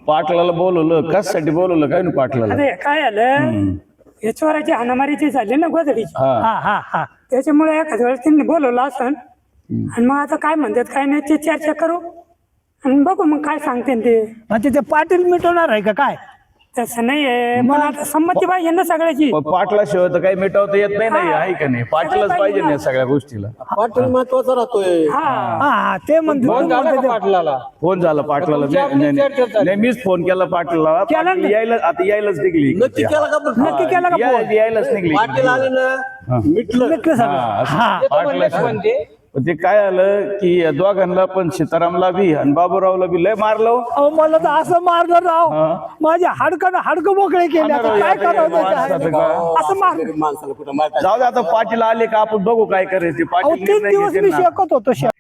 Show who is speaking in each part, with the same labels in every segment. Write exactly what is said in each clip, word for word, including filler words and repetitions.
Speaker 1: पाटलाला बोलवलं कशासाठी बोलवलं काय ना पाटलाला
Speaker 2: अरे काय आलं हे चोराची हाणामारीची झाली ना गोधडीची
Speaker 1: हा
Speaker 3: हा हा हा
Speaker 2: त्याच्यामुळे एखाद्या वेळेस त्यांनी बोलवलं असं आणि मग आता काय म्हणतात काय नाही ते चर्चा करू आणि बघू मग काय सांगते ते
Speaker 3: म्हणजे ते पाटील मिटवणार आहे का काय
Speaker 2: तसं नाहीये पण आता संमती पाहिजे ना सगळ्याची
Speaker 1: पण पाटलाशिवाय तर काही मिटवता येत नाही नाही आहे का नाही पाटलाच पाहिजे ना या सगळ्या गोष्टीला
Speaker 4: पाटील महत्वाचा राहतोय
Speaker 2: हा
Speaker 3: हा ते म्हणते तू म्हणते ते-
Speaker 4: पाटलाला
Speaker 1: फोन झाला पाटलाला मी- नाही, नाही नाही, मीच फोन केला पाटलाला
Speaker 3: केला
Speaker 1: पाटील
Speaker 3: ना?
Speaker 1: यायला आता यायलाच निघली
Speaker 4: नक्की केला का पण?
Speaker 3: नक्की केला का
Speaker 1: या-
Speaker 3: फोन?
Speaker 1: यायलाच निघली
Speaker 4: पाटील आले ना मिटलं
Speaker 3: मिटलं सगळं
Speaker 1: हा, असं
Speaker 3: हा
Speaker 1: पाटलाशिवाय- पण ते काय आलं की या दोघांना पण सीतारामला बी आणि बाबूरावला बी लय मारलं हो.
Speaker 3: अहो मला तर असं मारलं राव
Speaker 1: हा.
Speaker 3: माझ्या हाडकं हाडकं मोकळे केले आता काय करावं त्याचं? असं मार
Speaker 4: गरीब माणसाला कुठं मारतात
Speaker 1: जाऊ दे आता पाटील आले का आपण बघू काय करायचे
Speaker 3: अहो
Speaker 1: पाटील
Speaker 3: तीन
Speaker 1: निर्णय
Speaker 3: दिवस
Speaker 1: घेतील
Speaker 3: मी
Speaker 1: ना.
Speaker 3: शेकत होतो शे-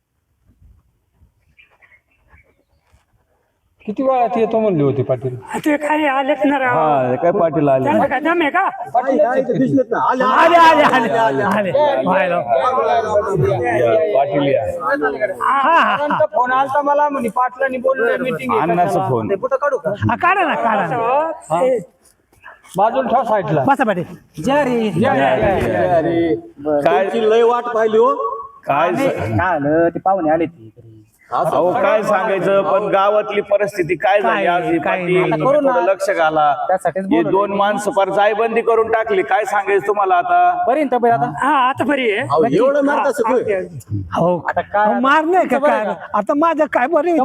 Speaker 5: किती वेळात येतो म्हणली होती पाटील
Speaker 2: ते काय आलेच ना राव
Speaker 1: हा काय पाटील आले
Speaker 2: त्यांना काय दम आहे का
Speaker 4: दिसलेत ना आले
Speaker 3: आले आले आले आले व्हायला.
Speaker 1: पाटील या
Speaker 3: हा हा
Speaker 5: फोन आलता मला म्हणे पाटलांनी बोललं मीटिंग
Speaker 1: अण्णाचा फोन
Speaker 5: काढू का
Speaker 3: हा, काढा ना काढा ना
Speaker 2: हो, ते-
Speaker 5: बाजूला ठेव साईडला
Speaker 3: बसा पाटील जय रे
Speaker 4: अरे
Speaker 1: काय
Speaker 4: त्यांची लय वाट पाहिली हो
Speaker 1: काय स-
Speaker 3: काय आलं ते पाहुणे आले ती
Speaker 1: अहो काय सांगायचं पण गावातली परिस्थिती काय झाली
Speaker 3: काय-
Speaker 1: आज ही
Speaker 3: काय
Speaker 1: पाटील,
Speaker 3: नाही.
Speaker 1: तुम्ही थोडं लक्ष घाला हे दोन माणसं फार जायबंदी करून टाकली काय सांगायचं तुम्हाला आता
Speaker 3: पर्यंत आता
Speaker 2: हा आता बरी आहे
Speaker 4: अहो, एवढं मारता सगळं
Speaker 3: हो आता मार नाही का काय आता माझं काय बरं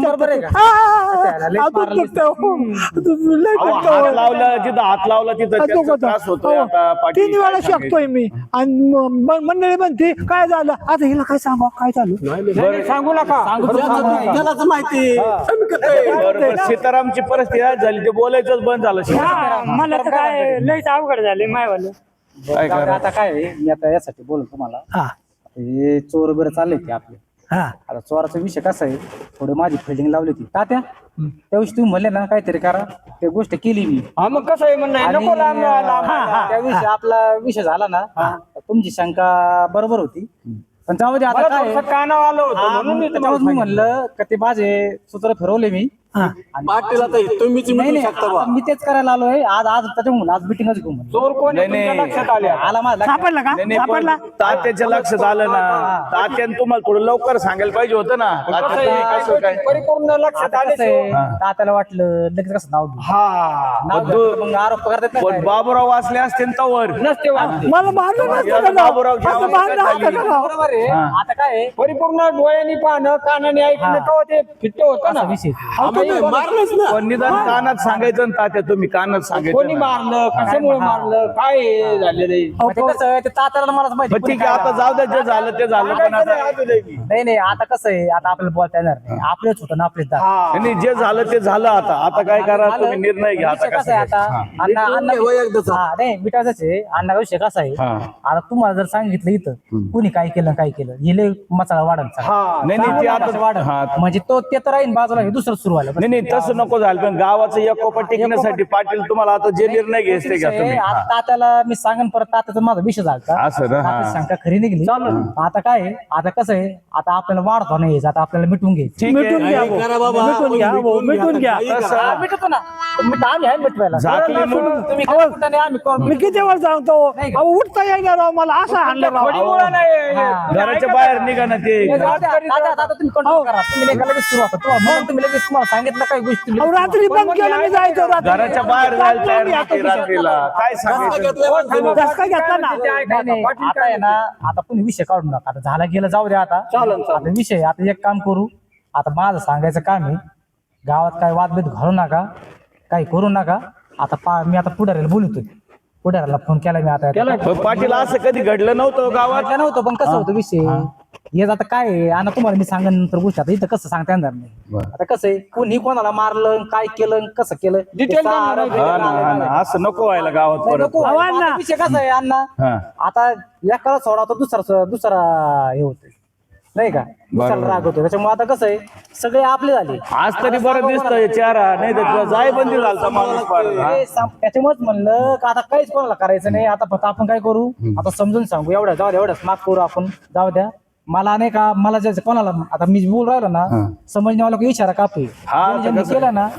Speaker 1: अहो, हात लावला जिथं हात लावला तिथं त्याचा त्रास होतोय आता पाटील
Speaker 3: तीन वेळा
Speaker 1: काय सांगायचं?
Speaker 3: शकतोय मी आणि म- म- मंडळी म्हणते काय झालं आता हिला काय सांगा काय चालू
Speaker 1: बरं
Speaker 5: सांगू नका
Speaker 4: त्यालाच माहिती आम्ही करतोय.
Speaker 1: बरं, बरं, सीतारामची परिस्थिती आज झाली ते बोलायचंच बंद झालं
Speaker 2: हा, मला तर काय लयच अवघड झाले मायवालं
Speaker 1: काय करा
Speaker 6: आता काय आहे, मी आता यासाठी बोलतो तुम्हाला
Speaker 3: हा
Speaker 6: हे चोर वगैरे चालले ते आपले
Speaker 3: हा
Speaker 6: आता चोराचा विषय कसा आहे थोडी माझी फिल्डिंग लावली होती तात्या त्या दिवशी तुम्ही म्हणले ना काहीतरी करा ते गोष्ट केली मी
Speaker 5: हा मग कसं आहे म्हणणं
Speaker 6: आणि,
Speaker 5: नको लांब लांब
Speaker 6: हा, त्या विषयी आपला विषय झाला ना तर तुमची शंका बरोबर होती पण त्यामध्ये आता
Speaker 5: मला
Speaker 6: काय आहे,
Speaker 5: थोडंसं कानावर आलं होतं
Speaker 6: हा,
Speaker 5: म्हणून मी
Speaker 6: मग त्याच्यावर मी म्हणलं का ते माझे सूत्र फिरवले मी
Speaker 3: हा
Speaker 4: पाटील आता तुम्हीच
Speaker 6: नाही
Speaker 4: मिटू
Speaker 6: नाही
Speaker 4: शकता बा
Speaker 6: आता मी तेच करायला आलोय आज आज त्याच्यामुळे आज मिटिंगच घेऊ म्हणलं
Speaker 5: चोर कोण आहे
Speaker 1: नाही,
Speaker 5: तुमच्या
Speaker 1: नाही.
Speaker 5: लक्षात आले
Speaker 6: आला माझा लक्षात.
Speaker 3: सापडला का
Speaker 1: नाही, नाही, पण
Speaker 3: सापडला
Speaker 1: तात्याच्या लक्षात आलं ना तात्याने तुम्हाला थोडं लवकर सांगायला पाहिजे होतं ना
Speaker 5: कसं
Speaker 1: तात्या
Speaker 5: आहे,
Speaker 1: कसं काय
Speaker 5: परिपूर्ण लक्षात
Speaker 6: आता
Speaker 5: आले
Speaker 6: कसं आहे, तात्याला वाटलं लगेच कसं नाव घेऊ
Speaker 5: हा
Speaker 6: नाव
Speaker 1: पण
Speaker 6: घेतलं तर मग आरोप करतात ना
Speaker 1: पण बाबूराव वाचले असते ना तवर
Speaker 5: नसते वाटते
Speaker 3: मला मारलं नसतं का राव?
Speaker 1: बाबूराव
Speaker 3: असं
Speaker 1: जेव्हा
Speaker 3: मारलं असतं का राव?
Speaker 6: बरोबर आहे आता काय आहे,
Speaker 5: परिपूर्ण डोळ्यांनी पाहणं कानाने ऐकणं तेव्हा ते फिट्ट होतं ना
Speaker 6: असा विषय आहे.
Speaker 4: आम्ही मारलंच ना
Speaker 1: पण निदान कानात सांगायचं ना तात्या तुम्ही कानात सांगायचं
Speaker 5: कोणी
Speaker 1: ना.
Speaker 5: मारलं कशामुळे मारलं काय हे झालेलं आहे?
Speaker 6: मग ते कसं आहे, ते तात्याला मलाच माहिती
Speaker 1: मग ठीक आहे आता जाऊ द्या जे झालं ते झालं पण आता
Speaker 6: नाही नाही आता कसं आहे आता आपल्याला बोलता येणार नाही आपलेच होतं ना आपलेच दात.
Speaker 1: नाही, जे झालं ते झालं आता आता काय करा तुम्ही निर्णय घ्या आता
Speaker 6: विषय
Speaker 1: कसं
Speaker 6: कसा आहे
Speaker 1: घ्यायचं.
Speaker 6: आता
Speaker 1: हा.
Speaker 6: अण्णा अण्णा
Speaker 4: वय एकदाचा.
Speaker 6: हा नाही मिटायचंच आहे अण्णा विषय कसा आहे
Speaker 1: हा.
Speaker 6: आता तुम्हाला जर सांगितलं इथं कुणी काय केलं काय केलं हे लय मसाला वाढन
Speaker 1: नाही नाही ते आता हा.
Speaker 6: म्हणजे तो ते तर राहीन बाजूला हे दुसरं सुरू व्हायला
Speaker 1: नाही नाही तसं नको झालं पण गावाचं एकोपा टिकण्यासाठी पाटील तुम्हाला आता जे निर्णय घ्यायचे ते घ्या तुम्ही हा.
Speaker 6: आता तात्याला मी सांगन परत तात्याचा माझा विषय झाला
Speaker 1: असं ना, हा.
Speaker 6: शंका खरी निघली आता काय आहे, आता कसं आहे आता आपल्याला वाढतो नाही आता आपल्याला मिटून घ्यायचं
Speaker 1: ठीक
Speaker 3: मिटून घ्या
Speaker 1: आहे
Speaker 3: भाऊ.
Speaker 4: करा बाबा
Speaker 3: मिटून घ्या भाऊ, मिटून घ्या
Speaker 1: तसं
Speaker 6: हा, मिटवतो ना मिट आम्ही आहे मिटवायला
Speaker 1: झाकली म्हणून
Speaker 6: तुम्ही काय म्हणता नाही, आम्ही करू.
Speaker 3: मी किती वेळ सांगतो अहो उठता येणार राव मला असं आणलं राव
Speaker 5: कोणीमुळं नाही
Speaker 6: हा.
Speaker 1: घराच्या बाहेर निघा ना ते
Speaker 6: हे जाऊ द्या, दादा, दादा, तुम्ही कंट्रोल करा तुम्ही नाही का लगेच सुरू होता तुम्हाला म्हणून तुम्ही लगेच तुम्हाला सांगितलं काही गोष्टी
Speaker 3: अहो रात्री बंद केलं मी जायचो रात्री
Speaker 1: घराच्या बाहेर जायला तयार
Speaker 3: मी आता
Speaker 1: नव्हते रात्रीला काय सांगायचं
Speaker 3: धसका घेतला ना
Speaker 6: नाही, नाही, आता आहे ना आता कोणी विषय काढू नका आता झाला गेला जाऊ द्या आता आता विषय आता एक काम करू आता माझं सांगायचं काम आहे गावात काय वादभेद घालू नका काही करू नका आता पा मी आता पुढाऱ्याला बोलतोय पुढाऱ्याला फोन केला मी आता
Speaker 1: पण पाटील असं कधी घडलं नव्हतं गावात
Speaker 6: वाटलं नव्हतं पण कसं होतं विषय हे आता काय आहे आणि तुम्हाला मी सांगन नंतर गोष्ट आता इथं कसं सांगता येणार नाही आता कसं आहे कोणी कोणाला मारलं काय केलं कसं केलं ते
Speaker 5: Detail
Speaker 6: सारं
Speaker 5: नाही,
Speaker 6: detail
Speaker 1: हा ना, हा ना. असं नको व्हायला गावात
Speaker 6: नाही,
Speaker 1: परत
Speaker 6: नको.
Speaker 3: अहो,
Speaker 6: आता
Speaker 3: अण्णा.
Speaker 6: विषय कसा आहे अण्णा
Speaker 1: हा.
Speaker 6: आता एकाला सोडा तर दुसरा दुसरा हे होतोय नाही का दुसऱ्याला राग होतो त्याच्यामुळे आता कसं आहे सगळे आपले झाले
Speaker 1: आज तरी बरं दिसतंय चेहरा नाही तर जायबंदी झालता माणूस फार. हा.
Speaker 6: हे सम- त्याच्यामुळेच म्हणलं का आता काहीच कोणाला करायचं नाही आता फक्त आपण काय करू आता समजून सांगू एवढ्या जाऊ द्या एवढ्याच माफ करू आपण जाऊ द्या मला नाही का मला जे कोणाला आता मी बोल राहिलो ना समजण्यावाला इशारा कापू
Speaker 1: हा,
Speaker 6: ज्यांनी
Speaker 1: आता कसं-
Speaker 6: केलं ना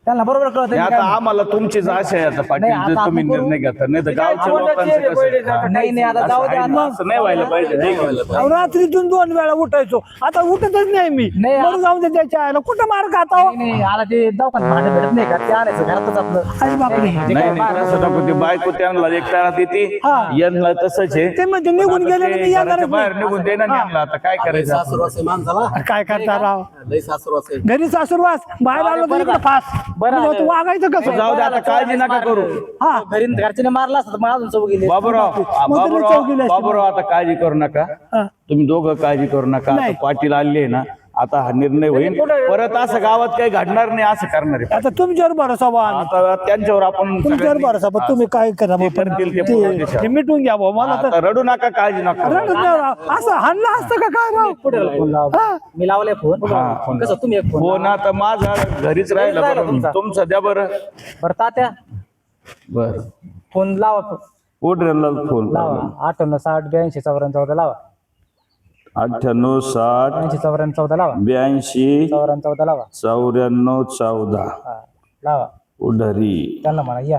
Speaker 6: त्यांना बरोबर कळत
Speaker 1: नाही, आता आम्हाला तुमचीच आशा आहे आता पाटील
Speaker 6: नाही,
Speaker 1: जर
Speaker 6: आता
Speaker 1: तुम्ही
Speaker 6: आपण करू.
Speaker 1: निर्णय घेता नाही तर गावच्या
Speaker 5: कोणाचे
Speaker 1: लोकांचं
Speaker 5: रे
Speaker 1: कसं
Speaker 5: बैल
Speaker 1: हा.
Speaker 6: नाही नाही आता जाऊ दे
Speaker 1: असं आहे ना,
Speaker 6: आता.
Speaker 1: असं नाही व्हायला पाहिजे नाही व्हायला पाहिजे.
Speaker 3: अहो, रात्रीतून दोन वेळा उठायचो आता उठतच नाही मी
Speaker 6: नाही,
Speaker 3: बरं जाऊन दे त्याच्या आईला कुठं मार खाता हो?
Speaker 6: नाही, नाही आला ते दवाखान्यात भांडे भेटत नाही का ते आणायचं घरातच आपलं
Speaker 3: अरे बापरे
Speaker 6: जे
Speaker 1: नाही
Speaker 6: काय
Speaker 1: नाही तसं नको ते बायको त्यांना एक तारात येते
Speaker 3: हा.
Speaker 1: यांना तसंच आहे
Speaker 3: ते म्हणते निघून
Speaker 1: आता
Speaker 3: गेले
Speaker 1: ते
Speaker 3: मी येणारच
Speaker 1: घराच्या बाहेर
Speaker 3: नाही.
Speaker 1: निघून देणार नाही यांना. आता काय करायचं आपण?
Speaker 4: सासुरवास आहे माणसाला
Speaker 3: काय करता राव
Speaker 4: लय सासुरवास आहे.
Speaker 3: घरी सासूरवास बाहेर आलो तर इकडे फास
Speaker 6: बरं
Speaker 3: म्हणजे
Speaker 6: आलं.
Speaker 3: वागायचं कसं
Speaker 1: जाऊ दे आता काळजी नका करू.
Speaker 3: हा
Speaker 6: घरी घरच्याने मारला असता तर मग अजून चौक गेले
Speaker 1: बाबूराव आ,
Speaker 3: मग तुम्ही
Speaker 1: बाबूराव
Speaker 3: चौकीला असतील.
Speaker 1: बाबूराव आता काळजी करू नका
Speaker 3: हा.
Speaker 1: तुम्ही दोघं काळजी करू नका आता
Speaker 3: नाही.
Speaker 1: पाटील आले आहे ना आता हा निर्णय होईल परत असं गावात काही घडणार नाही असं करणार आहे.
Speaker 3: आता तुमच्यावर भरोसा बा
Speaker 1: आता त्यांच्यावर आपण
Speaker 3: तुमच्यावर
Speaker 1: सगळ्यांनी-
Speaker 3: भरोसा बा तुम्ही काय करा
Speaker 1: ते
Speaker 3: बा.
Speaker 1: करतील ते
Speaker 3: ते-
Speaker 1: पूर्ण दिशा.
Speaker 3: ते मिटून घ्या भाऊ मला तर
Speaker 1: आता रडू नका काळजी नका करू.
Speaker 3: रडत नाही राव. असं हाणलं असतं का काय राव
Speaker 6: पुढे फोन लाव
Speaker 3: हा.
Speaker 6: मी लावलाय फोन
Speaker 1: हा, फोन
Speaker 6: कसं तुम्ही एक फोन
Speaker 1: हो ना आता माझा घरीच राहिला
Speaker 6: राहिला
Speaker 1: बरं
Speaker 6: तुमचा.
Speaker 1: तुमचं द्या बरं
Speaker 6: बरं तात्या
Speaker 1: बर
Speaker 6: फोन लावा
Speaker 1: उडरेला फोन
Speaker 6: लावा अठ्ठ्याण्णव साठ ब्याऐंशी चौऱ्याण्णव चौदा लावा
Speaker 1: अठ्ठ्याण्णव साठ
Speaker 6: ब्याऐंशी चौऱ्याण्णव चौदा लावा
Speaker 1: ब्याऐंशी
Speaker 6: चौऱ्याण्णव चौदा लावा
Speaker 1: चौऱ्याण्णव चौदा
Speaker 6: हा लावा
Speaker 1: उडरी
Speaker 6: त्यांना म्हणा या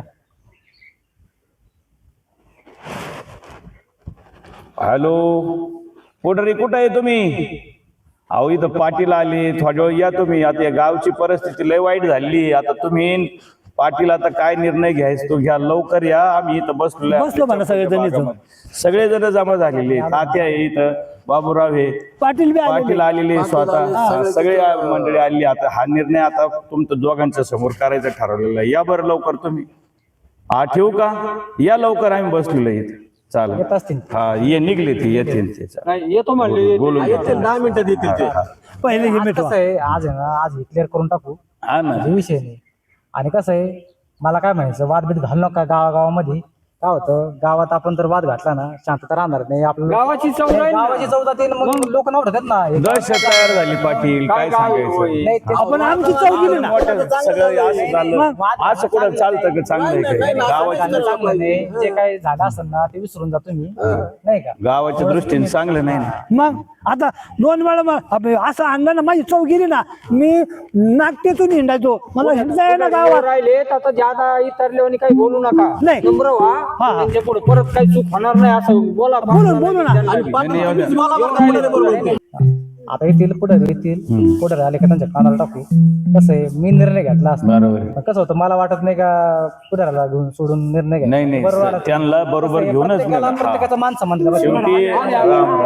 Speaker 1: हॅलो उडरी कुठं आहे तुम्ही? अहो इथं पाटील आले थोड्या वेळ या तुम्ही. आता या गावची परिस्थिती लय वाईट झाली. आता तुम्ही पाटील आता काय निर्णय घ्यायचा तो घ्या लवकर या. आम्ही इथं बसलो
Speaker 3: बसलो म्हणा सगळेजण इथं.
Speaker 1: सगळे जण जमा झालेले तात्या आहे इथं बाबूराव आहे
Speaker 3: पाटील बी आलेले.
Speaker 1: पाटील आलेले स्वतः हा, सगळे मंडळी आली. आता हा निर्णय आता तुमचं दोघांच्या समोर करायचा ठरवलेला आहे. या बरं लवकर तुम्ही. हा ठेवू का? या लवकर आम्ही बसलेलो इथे चालेल.
Speaker 6: येत असतील
Speaker 1: हा ये निघले ते येतील ते चालेल.
Speaker 5: नाही येतो म्हणले
Speaker 1: बोलून घ्या.
Speaker 4: येतील दहा मिनिटात येतील ते.
Speaker 3: पहिले हे
Speaker 6: आज
Speaker 3: मिटवा
Speaker 6: कसं आहे आज आहे ना आज क्लिअर करून टाकू
Speaker 1: हा ना
Speaker 6: हे विषय नाही. आणि कसं आहे मला काय म्हणायचं वादभेद घालू नका गावागावामध्ये. काय होतं गावात आपण जर वाद घातला ना शांतता राहणार नाही आपलं
Speaker 5: गावाची चव राहील ना.
Speaker 6: गावाची चौदा तीन मग लोक नवडतात ना हे
Speaker 1: दहशत तयार झाली पाटील काय सांगायचं
Speaker 6: नाही ते
Speaker 3: आपण आमची चव गेली ना
Speaker 1: मोठं सगळं असं झालं असं कुठं चालतं का चांगलं आहे काय गावाची
Speaker 6: झालं चांगलं नाही. जे काय झालं असेल ना ते विसरून जा तुम्ही नाही का
Speaker 1: गावाच्या दृष्टीने चांगलं नाही ना.
Speaker 3: मग आता दोन वेळा मग अबे, असं आणलं ना माझी चव गेली ना मी नागटेतून हिंडायचो मला हिंडता येईना गावात
Speaker 5: राहिले तर आता ज्यादा इतरले काही बोलू नका
Speaker 3: नाही.
Speaker 5: नम्र व्हा
Speaker 3: हा, हा.
Speaker 5: त्यांच्या पुढे परत काही चूक होणार नाही असं बोला
Speaker 3: बोलू बोलू ना
Speaker 4: आणि पाटील तुम्हीच मला बरं बोलले बरोबर ते.
Speaker 6: आता येतील पुढे येतील पुढे आले का त्यांच्या कानाला टाकू. कसं आहे मी निर्णय घेतला असता
Speaker 1: बरोबर आहे.
Speaker 6: पण कसं होतं मला वाटत नाही का पुढाऱ्याला घेऊन सोडून निर्णय घ्यायचा.
Speaker 1: नाही नाही
Speaker 6: बरोबर आला.
Speaker 1: त्यांना बरोबर
Speaker 6: कसं आहे,
Speaker 1: घेऊनच
Speaker 6: प्रत्येकाला
Speaker 1: नाही.
Speaker 6: प्रत्येकाचा मान संबंध आहे.
Speaker 1: शेवटी राम राम
Speaker 5: राम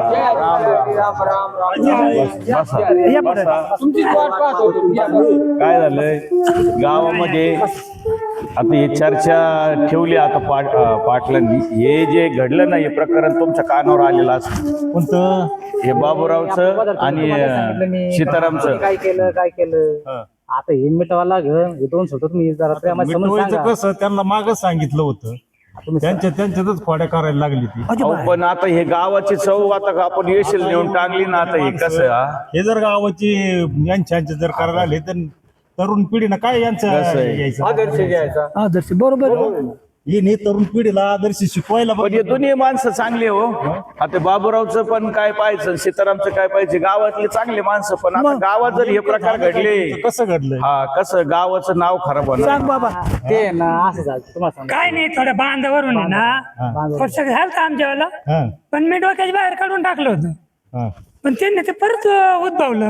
Speaker 5: राम राम
Speaker 1: बसा.
Speaker 3: या पुढे.
Speaker 1: बसा.
Speaker 5: तुमचीच वाट पाहत होतो या बरं.
Speaker 1: काय झालंय गावामध्ये आता ही चर्चा ठेवली आता पाट अं, पाटलांनी हे जे घडलं ना हे प्रकरण तुमच्या कानावर आलेलं असतं
Speaker 6: कोणतं
Speaker 1: हे बाबूरावचं आणि
Speaker 6: तुम्हाला सांगितलं मी,
Speaker 1: अं, सीतारामचं
Speaker 6: काय केलं काय केलं आता हे मिटवा लागल हे दोन शब्द तुम्ही जरा प्रेमात समजून
Speaker 7: मिटवायचं
Speaker 6: सांगा.
Speaker 7: कसं त्यांना मागच सांगितलं होतं
Speaker 6: तुम्ही
Speaker 7: त्यांच्या त्यांच्यातच खोड्या करायला लागली ती
Speaker 1: अहो, पण आता हे गावाची चव आता आपण येशील नेऊन टांगली ना आता हे कसं हा?
Speaker 7: हे जर गावाची यांच्या यांच्या जर करायला आले तर तरुण पिढीनं काय यांचं
Speaker 1: कसं आहे?
Speaker 7: यायचं
Speaker 5: आदर्श घ्यायचा
Speaker 3: आदर्श बरोबर आहे.
Speaker 7: ही नाही तरुण पिढीला आदर्श शिकवायला
Speaker 1: पण हे दोन्ही माणसं चांगली हो आता बाबूरावचं पण काय पाहिजे सीतारामचं काय पाहिजे गावातले चांगले माणसं पण आता गावात जर हे प्रकार घडले
Speaker 7: कसं घडलंय
Speaker 1: हा कसं गावाचं नाव खराब होणार
Speaker 3: सांग बाबा
Speaker 6: ते ना असं झालं तुम्हाला सांगा
Speaker 2: काय नाही थोड्या बांधावरून आहे ना थोडस झालं तर आमच्या वेळेला
Speaker 7: हा
Speaker 2: पण मी डोक्याच्या बाहेर काढून टाकलं होतं
Speaker 7: हा
Speaker 2: पण त्यांनी ते परत अं, उद्भवलं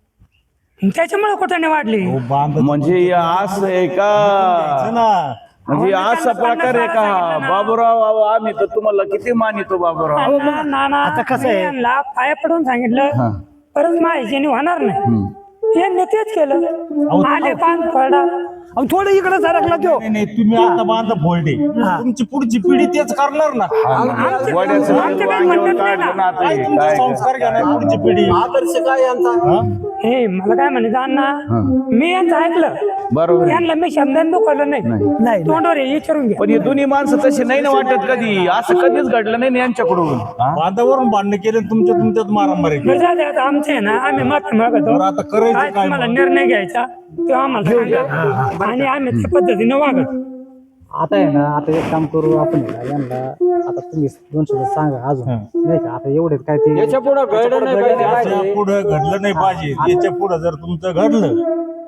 Speaker 2: आणि त्याच्यामुळे कुठं वाढली
Speaker 7: हो, बांध
Speaker 1: म्हणजे हे असं आहे का
Speaker 7: ना
Speaker 1: म्हणजे असा प्रकार आहे का बाबूराव अहो, आम्ही तर तुम्हाला किती मानितो बाबूराव
Speaker 2: ना ना ना
Speaker 3: आता कसं आहे?
Speaker 2: यांना पाया पडून सांगितलं परत माझ्याने होणार नाही यांनी तेच केलं आले पान पडा
Speaker 3: अहो, थोडं इकडे सरकला तो
Speaker 7: नाही, नाही तुम्ही आता बांध फोल्डे तुमची पुढची पिढी तेच करणार ना
Speaker 1: वड्याचं
Speaker 2: आमचं
Speaker 1: तेल
Speaker 2: काही
Speaker 1: वांग्यावर
Speaker 2: म्हणणं नाही
Speaker 1: काढलं ना आता
Speaker 7: काय
Speaker 1: हे,
Speaker 7: तुमचे
Speaker 1: काय
Speaker 7: संस्कार घेणार पुढची पिढी
Speaker 4: आदर्श काय यांचा
Speaker 2: हे मला काय म्हणायचं अण्णा मी यांचं ऐकलं
Speaker 1: बरोबर आहे.
Speaker 2: यांना मी शब्दाने दुखवलं नाही
Speaker 3: नाही
Speaker 2: तोंडवर हे विचारून घ्या
Speaker 1: पण हे दोन्ही माणसं तशी नाही ना वाटत कधी असं कधीच घडलं नाही ना यांच्याकडून हा?
Speaker 7: बांधावरून भांडणं केले तुमच्या तुमच्यात मारामारी केली.
Speaker 2: बरं, जाऊ दे आता आमचे आहे ना आम्ही मत मागतो
Speaker 7: बरं, आता करायचं
Speaker 2: काय
Speaker 7: काय
Speaker 2: तुम्हाला
Speaker 7: मग?
Speaker 2: निर्णय घ्यायचा तो आम्हाला सांगा आणि आम्ही त्या पद्धतीने वागत
Speaker 6: आता आहे ना आता एक काम करू आपण आहे ना, यांना आता तुम्ही दोन शब्द सांगा अजून नाही का आता एवढे काय ते
Speaker 5: याच्या पुढे घडलं नाही पाहिजे
Speaker 7: याच्या पुढं घडलं नाही पाहिजे याच्या पुढं जर तुमचं घडलं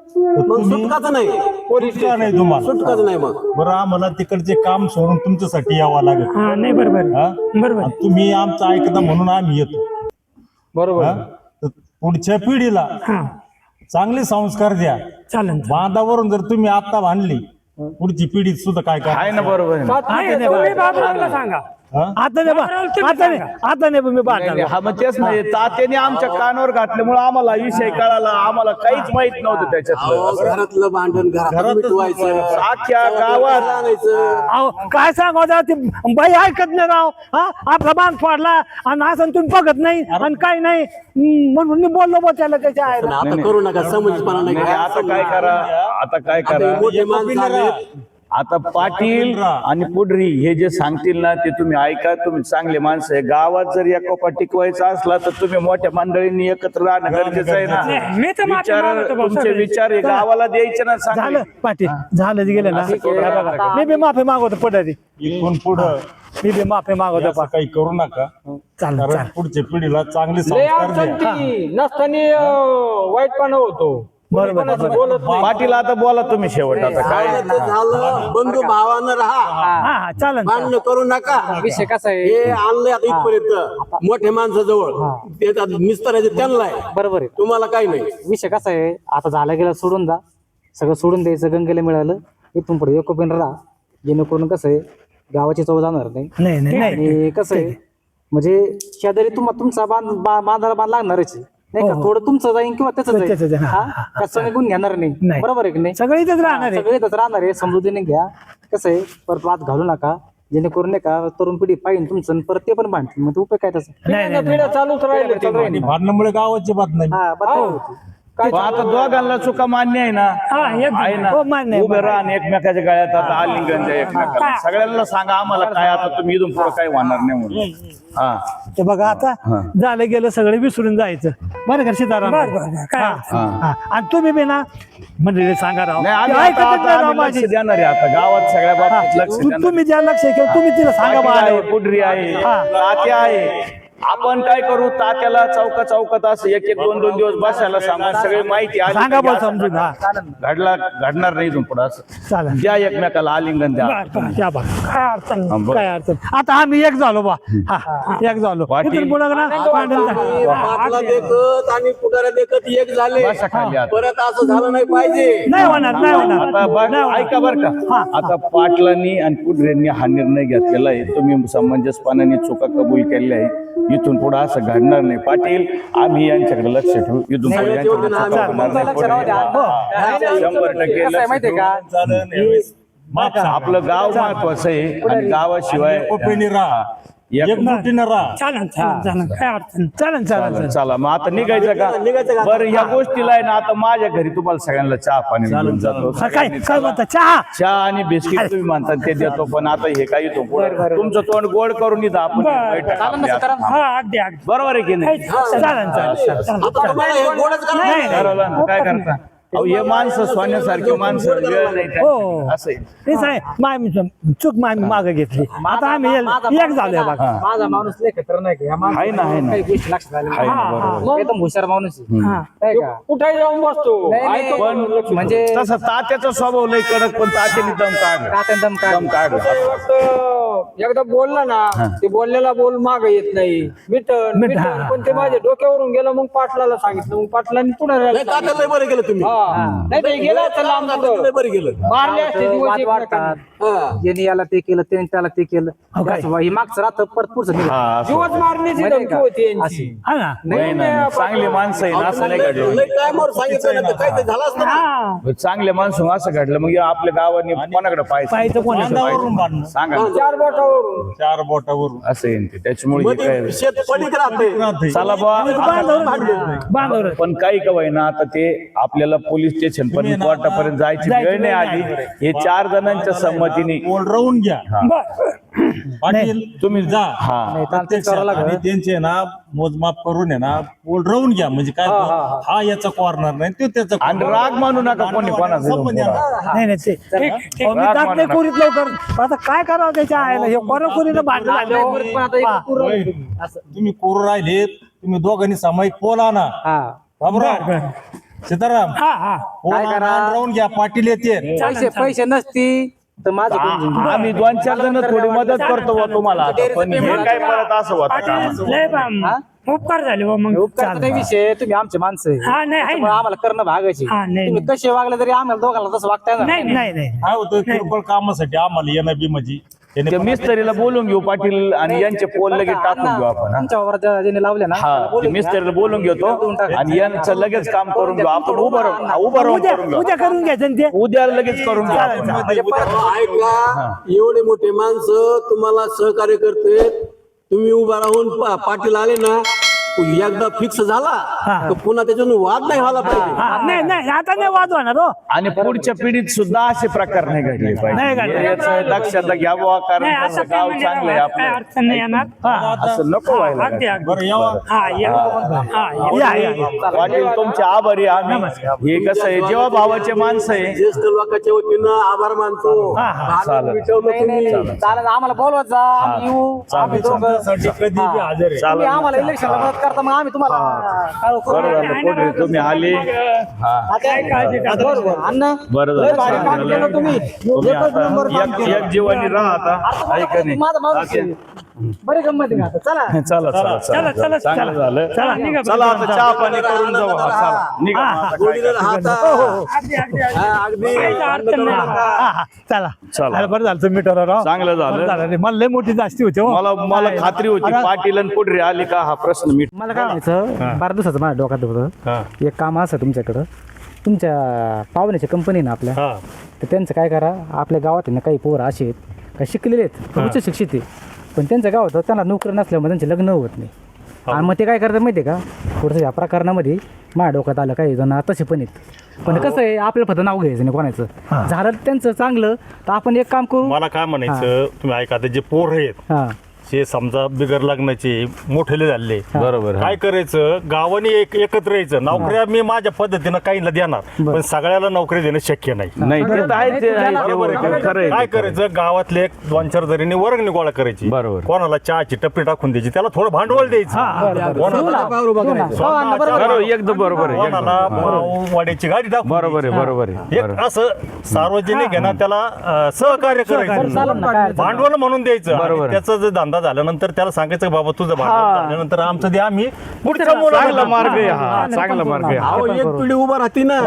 Speaker 7: तर
Speaker 4: मग
Speaker 7: तुम्ही
Speaker 4: सुटकाच नाही
Speaker 7: सुटका नाही तुम्हाला
Speaker 4: सुटकाच नाही मग
Speaker 7: बरं आम्हाला तिकडचे काम सोडून तुमच्यासाठी यावं लागेल
Speaker 2: हा नाही बरोबर
Speaker 7: हा?
Speaker 2: बरोबर
Speaker 7: आणि तुम्ही आमचं ऐकता म्हणून आम्ही येतो
Speaker 5: बरोबर
Speaker 7: हा? तर पुढच्या पिढीला
Speaker 2: हा
Speaker 7: चांगले संस्कार द्या
Speaker 2: चालन
Speaker 7: बांधावरून जर तुम्ही आता बांधली पुढची पिढी सुद्धा काय काय
Speaker 1: आहे ना बरोबर आहे ना.
Speaker 2: नाही, तुम्ही बाबूरावला सांगा
Speaker 3: आता नाही बा- आता नाही आता नाही मी
Speaker 1: नाही, नाही, हा मग तेच नाही तात्याने आमच्या कानावर घातल्यामुळे आम्हाला विषय कळाला आम्हाला काहीच माहित नव्हतं
Speaker 4: अहो,
Speaker 1: त्याच्यातलं
Speaker 4: घरातलं भांडण घरात मिटवायचं
Speaker 1: अख्ख्या गावात
Speaker 4: सांगायचं
Speaker 3: अहो काय सांगू आता ती बाई ऐकत नाही राव हा आपला बांध फोडला आणि असं तुम्ही बघत नाही आणि काही नाही हम्म, म्हणून मी बोललो बा त्याला त्याच्या
Speaker 4: पण
Speaker 3: आईला
Speaker 4: आता करू नका समजपणा नाही
Speaker 1: नाही, आता काय करा आता काय
Speaker 4: आता
Speaker 1: करा
Speaker 4: हे मोठे माणसं आलेत.
Speaker 1: आता पाटील आणि पुढरी हे जे सांगतील ना ते तुम्ही ऐका तुम्ही चांगले माणसं आहे गावात जर एकोपा टिकवायचा असला तर तुम्ही मोठ्या मंडळींनी एकत्र राहणं गरजेचं आहे
Speaker 2: नाही, मी तर
Speaker 1: ना
Speaker 2: माफी
Speaker 1: विचार
Speaker 2: मागतो भाऊ,
Speaker 1: तुमचे
Speaker 2: सगळे.
Speaker 1: विचार हे गावाला द्यायचे ना चांगले.
Speaker 3: झालं पाटील झालं जे गेलं ना
Speaker 1: असं करू
Speaker 3: हे
Speaker 1: नका.
Speaker 3: बघा, मी बी माफी मागवतो पडारी
Speaker 7: इथून पुढं
Speaker 3: मी बी माफी मागवतो
Speaker 7: असं काही करू नका
Speaker 3: चालेल
Speaker 7: कारण
Speaker 3: चालेल
Speaker 7: पुढच्या पिढीला चांगले
Speaker 5: लय
Speaker 7: संस्कार
Speaker 5: अडचण
Speaker 7: द्या
Speaker 5: ती नसताना अं, वाईटपणा होतो
Speaker 3: बरोबर,
Speaker 5: कोणी कोणाचं
Speaker 3: बरोबर.
Speaker 5: बोलत नाही.
Speaker 1: पाटील आता बोला तुम्ही शेवट आता काय
Speaker 4: झालं ते झालं बंधू भावानं राहा
Speaker 3: हा हा चालेल
Speaker 4: भांडण करू नका
Speaker 6: विषय कसा आहे
Speaker 4: हे आणलंय आता इथपर्यंत मोठ्या माणसाजवळ ते आता निस्तरायचे त्यांना आहे
Speaker 6: बरोबर आहे
Speaker 4: तुम्हाला काही नाही
Speaker 6: विषय कसा आहे आता झाला गेला सोडून जा सगळं सोडून द्यायचं गंगेला मिळालं इथून पुढे एकोपीन राहा जेणेकरून कसं आहे गावाची चव जाणार नाही
Speaker 3: नाही नाही नाही
Speaker 6: आणि कसं आहे म्हणजे शेजारी तुम्हा तुमचा बांध बा- बांधायला बांध लागणारच आहे. नाही का थोडं तुमचं जाईन किंवा त्याच
Speaker 3: त्याचं जाईन, हा,
Speaker 6: जाईल कसं निघून घेणार नाही
Speaker 3: नाही.
Speaker 6: बरोबर आहे की नाही
Speaker 3: सगळे इथेच राहणार आहे
Speaker 6: सगळे इथंच राहणार आहे समजुतीने घ्या कसं आहे परत वाद घालू नका जेणेकरून नाही का तरुण पिढी पाहिजे तुमचं आणि परत ते पण भांडतील मग ते उपयोग काय त्याचा
Speaker 3: नाही नाही
Speaker 5: पिढ्या पिढ्या चालूच राहिले चालू
Speaker 7: आणि भांडणामुळे गावाची बात नाही
Speaker 6: हा बदल होती.
Speaker 1: पण आता दोघांना चुका मान्य आहे ना
Speaker 2: हा एक
Speaker 1: आहे ना
Speaker 3: हो, मान्य आहे,
Speaker 1: उभे राहा आणि एकमेकाच्या गळ्यात आता आलिंगन द्या एकमेकाला सगळ्यांना सांगा आम्हाला काय आता तुम्ही इथून पुढे काही होणार नाही म्हणून हा
Speaker 3: ते बघा आता झालं गेलं सगळे विसरून जायचं बरं का सीताराम
Speaker 2: बरं, बरं, काय
Speaker 3: हा, हा. आणि तुम्ही बी ना म्हणजे सांगा राव
Speaker 1: नाही आम्ही
Speaker 3: ते
Speaker 1: आता-
Speaker 3: ऐकतच
Speaker 1: आता
Speaker 3: नाही राव
Speaker 1: आम्ही लक्ष
Speaker 3: माझी
Speaker 1: देणार आहे आता गावात सगळ्या बाबतीत लक्ष
Speaker 3: तु-
Speaker 1: देणार
Speaker 3: तुम्ही ज्या लक्ष केलं तुम्ही तिला सांगा बा
Speaker 1: पाटील आहे,
Speaker 3: आल्यावर.
Speaker 1: पुढरी आहे
Speaker 3: हा.
Speaker 1: तात्या आहे आपण काय करू तात्याला चौका चौकात असं एक एक दोन दोन दिवस बसायला सांगा सगळी माहिती आली
Speaker 3: सांगा
Speaker 1: की
Speaker 3: बा
Speaker 1: असं
Speaker 3: समजून हा
Speaker 1: घडला घडणार नाही इथून पुढे असं
Speaker 3: चालेल
Speaker 1: द्या एकमेकाला आलिंगन द्या
Speaker 2: बरं, बरं, त्या बघ काय अडचण नाही.
Speaker 1: हा, बरं.
Speaker 3: काय अडचण आता आम्ही एक झालो बा हा एक झालो
Speaker 1: पाटील.
Speaker 3: इथून पुढं ना भांडण झालं.
Speaker 4: पाटला देखत आणि पुढाऱ्या देखत एक झाले
Speaker 1: बसा खाली आता.
Speaker 4: परत असं झालं नाही पाहिजे
Speaker 3: नाही होणार नाही होणार
Speaker 1: आता बघ,
Speaker 3: नाही होणार.
Speaker 1: ऐका बर का आता पाटलांनी आणि पुढऱ्यांनी हा निर्णय घेतलेला आहे तुम्ही समंजसपणाने चुका कबूल केलेल्या आहे इथून पुढे असं घडणार नाही पाटील आम्ही यांच्याकडे लक्ष ठेवू इथून पुढे यांच्याकडे चुका होणार नाही.
Speaker 6: लक्ष राहू द्या. हो.
Speaker 1: शंभर टक्के
Speaker 6: कसं आहे
Speaker 1: लक्ष
Speaker 6: माहितीये का
Speaker 7: झालं नाही. माफ सांगा.
Speaker 1: आपलं गाव महत्वाचं आहे आणि गावाशिवाय
Speaker 7: एकोपीने राहा
Speaker 1: एक-
Speaker 7: एकजुटीने राहा
Speaker 2: चालन चालन चालन काय अडचण नाही.
Speaker 3: चालेल चालेल
Speaker 1: चालेल, चला मग आता निघायचं का बरं या गोष्टीला आहे ना आता माझ्या घरी तुम्हाला सगळ्यांना चहा पाणी घेऊन जातो
Speaker 3: हा, काय काय म्हणता चहा
Speaker 1: चहा आणि बिस्किट तुम्ही म्हणतात ते देतो पण आता हे काही तो तुमचं तोंड गोड करून इथं आपण
Speaker 2: बरं.
Speaker 1: बैठक
Speaker 6: चालेल ना
Speaker 1: आपली
Speaker 6: सीताराम?
Speaker 2: हा अगदी अगदी
Speaker 1: बरोबर आहे की नाही
Speaker 3: चालेल चालेल चालेल
Speaker 4: आता तुम्हाला हे गोडच करायचं आहे.
Speaker 1: ठरवलं ना, काय करता अहो हे माणसं सोन्यासारखी माणसं वेळ नाही
Speaker 3: हो
Speaker 1: त्यांच्याकडे. असं आहे.
Speaker 3: तेच आहे मामी चूक मामी मागे घेतली आता आम्ही
Speaker 6: माझा
Speaker 3: एक
Speaker 6: माणूस
Speaker 3: झालोय बघा
Speaker 1: हा.
Speaker 6: माझा माणूस लय खतर नाही का या माणसाला
Speaker 1: आहे ना, आहे ना.
Speaker 6: काही गोष्टी लक्षात आल्या
Speaker 1: आहे ना, बरोबर.
Speaker 6: नाही. एकदम हुशार माणूस आहे.
Speaker 2: हा
Speaker 6: नाही का
Speaker 5: कुठे जाऊन बसतो
Speaker 6: नाही, नाही.
Speaker 5: ऐकतो
Speaker 1: पण
Speaker 6: म्हणजे
Speaker 1: तसं तात्याचा स्वभाव लय कडक पण तात्याने दम काढ
Speaker 6: कात्यान दम काढ
Speaker 1: दम काढ
Speaker 5: ते वाटतं, एकदा बोलला ना ते बोललेला बोल माग येत नाही मिटन
Speaker 3: मिट-
Speaker 5: मिटन
Speaker 3: हा.
Speaker 5: पण ते माझ्या डोक्यावरून गेलं मग पाटलाला सांगितलं मग पाटलांनी पुढे
Speaker 4: नाही तात्या लय बरं गेलं तुम्ही
Speaker 5: नाही ते गेला तर लांब पुढं.
Speaker 4: लय बरं गेलं
Speaker 5: मारले असते दिवस
Speaker 6: वाद
Speaker 5: एकमेकांना.
Speaker 6: वाढतात
Speaker 4: हा.
Speaker 6: ज्याने याला ते केलं त्याने त्याला ते केलं
Speaker 3: काय?
Speaker 6: असं ही मागचं राहतं परत पुढचं निघतं.
Speaker 1: हा, असं.
Speaker 5: दिवस मारण्याची
Speaker 6: माहितीये
Speaker 5: धमकी
Speaker 6: का?
Speaker 5: होती यांची
Speaker 6: अशी.
Speaker 3: हा ना
Speaker 1: नाही नाही चांगली माणसं आहे ना असं नाही
Speaker 4: लय
Speaker 1: घडलं
Speaker 4: लय टायमावर सांगितलं ना तर काय ते झालं असतं ना.
Speaker 2: हा
Speaker 1: चांगले माणसं असं घडलं मग आपल्या गावाने कोणाकडे
Speaker 3: पाहायचं
Speaker 1: पाहायचं
Speaker 3: कोणाकडे
Speaker 7: बांधावरून बांधणं
Speaker 1: सांगा ना.
Speaker 5: चार बोटावरून
Speaker 7: चार बोटावरून
Speaker 1: असं आहे ते त्याच्यामुळे हे काय
Speaker 4: मध्ये शेत पडीक राहते
Speaker 7: राहते.
Speaker 1: चला बा
Speaker 3: बांधवर
Speaker 1: पण काही का होईना आता ते आपल्याला पोलीस स्टेशन पर्यंत कोर्टापर्यंत जायची
Speaker 3: जायची
Speaker 1: वेळ नाही
Speaker 3: वेळ
Speaker 1: आली हे चार जणांच्या संमतीने
Speaker 7: बोल राहून घ्या
Speaker 2: बर
Speaker 7: पाटील तुम्ही जा
Speaker 1: हा
Speaker 6: नाही, तांत्रिक
Speaker 7: प्रत्यक्षात
Speaker 6: करावं लागलं.
Speaker 7: आणि त्यांचे ना मोजमाप करून आहे ना बोल राहून घ्या म्हणजे काय तो, हा याचा कॉर्नर नाही तो त्याचा
Speaker 1: आणि
Speaker 7: corner.
Speaker 1: राग मानू नका कोणी कोणाचा
Speaker 7: संबंध आहे ना.
Speaker 3: नाही नाही ते अहो, मी जात नाही कोरीत लवकर आता काय करावं त्याच्या आईला हे कोरा कोरीनं भांडण झालं
Speaker 6: पण आता एक पूर्ण
Speaker 7: होय. तुम्ही कोरू राहिले तुम्ही दोघांनी सामायिक पोल आणा
Speaker 6: हा
Speaker 7: बाबूराव सीताराम
Speaker 2: हा हा
Speaker 7: फोन आणून राहून घ्या, पाटील येते.
Speaker 6: पैसे पैसे नसती तर माझं कोण जिंकलं?
Speaker 1: आ- आम्ही दोन चार जण थोडी मदत करतो बुवा तुम्हाला आता. पण हे काय परत असं होतं का?
Speaker 2: पाटील लय बा- उपकार झाले बा मग
Speaker 6: उपकारचा नाही विषय, तुम्ही आमचे माणसं आहे.
Speaker 2: हा नाही आहे
Speaker 6: त्याच्यामुळे
Speaker 2: ना.
Speaker 6: आम्हाला करणं भागायचे.
Speaker 2: हा, नाही,
Speaker 6: तुम्ही कसे वागले तरी आम्हाला दोघांना तसं वागता येणार
Speaker 2: नाही नाही
Speaker 3: नाही
Speaker 7: काय होतं किरकोळ कामासाठी आम्हाला येणं बी म्हणजे त्याने
Speaker 1: ते मिस्त्रीला बोलून घेऊ पाटील आणि यांचे पोल लगेच टाकून घेऊ आपण हा.
Speaker 6: तुमच्या वावरात ज्या- ज्याने लावले ना
Speaker 1: हा
Speaker 6: त्याला
Speaker 1: ते
Speaker 6: बोलून घ्या.
Speaker 1: मिस्त्रीला बोलून घेतो आणि यांचं लगेच काम करून घेऊ आपण. उभं राहून हा, उभं राहून
Speaker 3: उद्या
Speaker 1: करून घेऊ.
Speaker 3: उद्या करून घ्यायचं ना ते
Speaker 1: उद्या लगेच करून घेऊ आपण.
Speaker 4: अहो, ऐका एवढे मोठे माणसं तुम्हाला सहकार्य करते, तुम्ही उभा राहून पा- पाटील आले ना एकदा फिक्स झाला तर पुन्हा त्याच्यातून वाद नाही व्हायला पाहिजे.
Speaker 3: हा, नाही नाही आता नाही वाद होणार हो.
Speaker 1: आणि पुढच्या पिढीत सुद्धा असे प्रकार नाही घडले
Speaker 3: नाही
Speaker 1: पाहिजे
Speaker 3: घडले.
Speaker 1: याचं लक्षात घ्यावं, कारण
Speaker 2: नाही
Speaker 1: कसं
Speaker 2: असं काय
Speaker 1: गाव
Speaker 2: म्हणजे
Speaker 1: चांगलं आहे
Speaker 2: काय
Speaker 1: आपलं.
Speaker 2: अडचण नाही येणार
Speaker 1: असं नको व्हायला
Speaker 2: अगदी अगदी
Speaker 7: बरं यावा.
Speaker 2: हा या हा या.
Speaker 3: या या या.
Speaker 1: पाटील तुमचे आभारी आहे आम्ही. हे कसं आहे, जेव्हा भावाचे माणसं आहे
Speaker 4: ज्येष्ठ लोकांच्या वतीनं आभार मानतो. भांडण
Speaker 1: चालेल.
Speaker 4: मिटवलं
Speaker 6: नाही नाही
Speaker 4: तुम्ही.
Speaker 6: नाही. चालेल आम्हाला बोलवत जा, आम्ही येऊ. आम्ही दोघं
Speaker 7: साठी कधी बी हजर आहे.
Speaker 6: तुम्ही आम्हाला इलेक्शनला मदत करता, मग आम्ही तुम्हाला कळवू.
Speaker 1: बरं झालं पोटरी तुम्ही आले. हा
Speaker 6: आता- आता बरोबर. अण्णा
Speaker 1: बरं
Speaker 6: लय भारी
Speaker 1: झालं
Speaker 6: काम केलं तुम्ही.
Speaker 1: तुम्ही
Speaker 6: एकच नंबर
Speaker 1: आता
Speaker 6: काम
Speaker 1: एक
Speaker 6: केलं.
Speaker 1: एक जीवानी राहा आता ऐका नाही.
Speaker 6: माझा माणूस आहे. बरी गंमत आहे का आता? चला
Speaker 1: चला चला
Speaker 2: चला,
Speaker 1: चला
Speaker 2: चला,
Speaker 1: चांगलं झालं.
Speaker 2: चला, निघा.
Speaker 1: चला आता चहा पाणी करून जाऊ. हा, चला निघा मग आता काय
Speaker 4: जोडीनं राहता.
Speaker 2: अगदी अगदी अगदी.
Speaker 4: हा, अगदी
Speaker 2: काहीच अडचण नाही.
Speaker 3: हा, हा, चला
Speaker 1: चला.
Speaker 3: अरे बरं झालं तुम्ही ठरवा राव.
Speaker 1: चांगलं झालं.
Speaker 3: बरं झालं रे. मला लय मोठी जास्ती होती हो.
Speaker 1: मला मला खात्री होती पाटील आणि पुढे आली का हा प्रश्न मिट.
Speaker 6: मला काय म्हणायचं, बारा दिवसाचं माझ्या डोक्यात होतं एक काम असं तुमच्याकडं, तुमच्या पाहुण्याच्या कंपनी ना आपल्या, तर त्यांचं काय करा, आपल्या गावात आहे ना काही पोरं असे आहेत काही शिकलेले आहेत, उच्च शिक्षित आहे, पण त्यांच्या गावात त्यांना नोकरी नसल्यामुळे त्यांचे लग्न होत नाही. आणि मग ते काय करतात माहिती आहे का, थोडंसं या प्रकरणामध्ये माझ्या डोक्यात आलं काही जण तसे पण आहेत, पण कसं आहे आपल्याला फक्त नाव घ्यायचं नाही कोणाचं, झालं त्यांचं चांगलं तर आपण एक काम करू.
Speaker 7: मला काय म्हणायचं, तुम्ही ऐका, आता जे पोर आहेत
Speaker 6: हां
Speaker 7: जे समजा बिगर लग्नाचे मोठेले झाले,
Speaker 1: बरोबर
Speaker 7: काय करायचं, गावाने एक एकत्र यायचं. नोकऱ्या मी माझ्या पद्धतीनं काहींना देणार, पण सगळ्याला नोकरी देणं शक्य नाही.
Speaker 1: नाही ते तर आहे, ते आहे, ते बरोबर आहे, खरं आहे
Speaker 7: काय
Speaker 1: ते, खरं आहे.
Speaker 7: करायचं, गावातले एक दोन चार जणींनी वर्गणी गोळा करायची,
Speaker 1: बरोबर.
Speaker 7: कोणाला चहाची टपरी टाकून द्यायची, त्याला थोडं भांडवल द्यायचं, कोणाला
Speaker 1: बरोबर एकदम बरोबर आहे एकदम.
Speaker 7: कोणाला वाड्याची गाडी टाकून
Speaker 1: बरोबर आहे
Speaker 7: द्यायची.
Speaker 1: बरोबर आहे
Speaker 7: एक
Speaker 1: बरोबर.
Speaker 7: असं सार्वजनिक आहे ना, त्याला अं, सहकार्य करायचं,
Speaker 6: चालेल ना, काय
Speaker 7: भांडवल म्हणून द्यायचं.
Speaker 1: बरोबर.
Speaker 7: आणि त्याचा जर धंदा झाल्यानंतर त्याला सांगायचं, बाबा तुझं भांडवल झाल्यानंतर आमचं दे, आम्ही पुढच्या
Speaker 1: चांगला
Speaker 7: मुलाला
Speaker 1: मार्ग आहे हा, चांगला मार्ग आहे हा.
Speaker 4: अहो, एक पिढी उभा राहते ना.